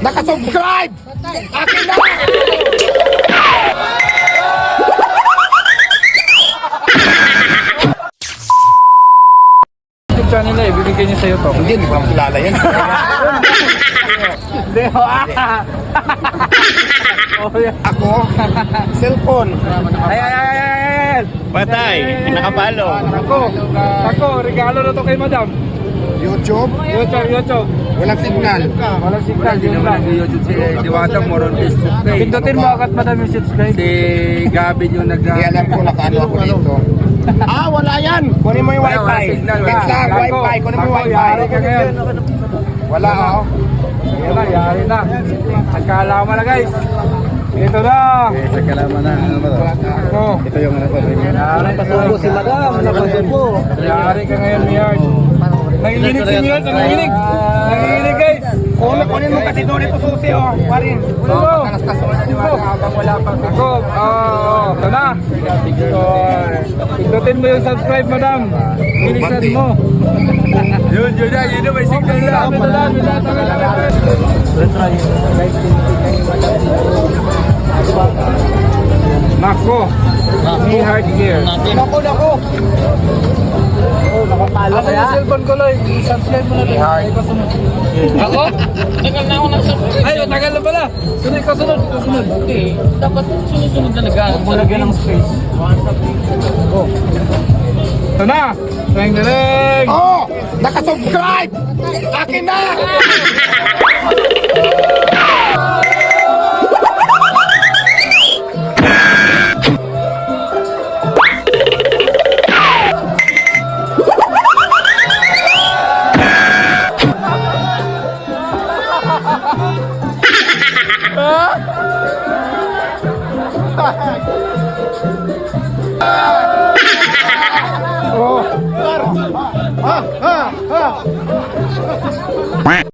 Nakasubscribe! Akin na! YouTube channel na ibibigay niya sa'yo to. Hindi ba makilala yan? Hindi ho. Ako, cellphone. Ay! Patay, nakapalo. Ako, regalo na to kay madam. YouTube, YouTube. walang signal. Walang signal, yun lang. YouTube si Diwata Moron Facebook page. Pindutin mo agad madam yung subscribe. Si Gavin yung Hindi alam ko nakaano ako dito. Ah, wala yan! Kunin mo yung Wala, wifi. signal, Wait wala. lang, wifi. Kunin mo yung wifi. Yari ka ngayon. Wala ako. Yan na, yari na. Nagkaalaman na guys. Ito na. Sa kalaman na. Ano ba to? Ako. Ito yung ano ko. Yari ka si Madam. Napansin po. Yari ka ngayon, Miyard. Nanginginig si Miyard, nanginginig. Nanginginig guys. Kunin mo kasi doon ito susi, oh. Parin. Kunin mo. Habang wala pa. Ako. Ito na. Pindutin mo yung subscribe, madam. Bilisan mo. Yun na. May signal na. Nako. Ni hard gear. Nako. Nakapalo ka yung cellphone ko, Lloyd. I-subscribe mo na lang. Ako? Tagal na ako nag-subscribe. Ay, matagal na pala. Sunod, kasunod. Hindi, dapat sunod-sunod talaga. Lagyan ng space. Ito na. Teng. Oh! Nakasubscribe! Akin na!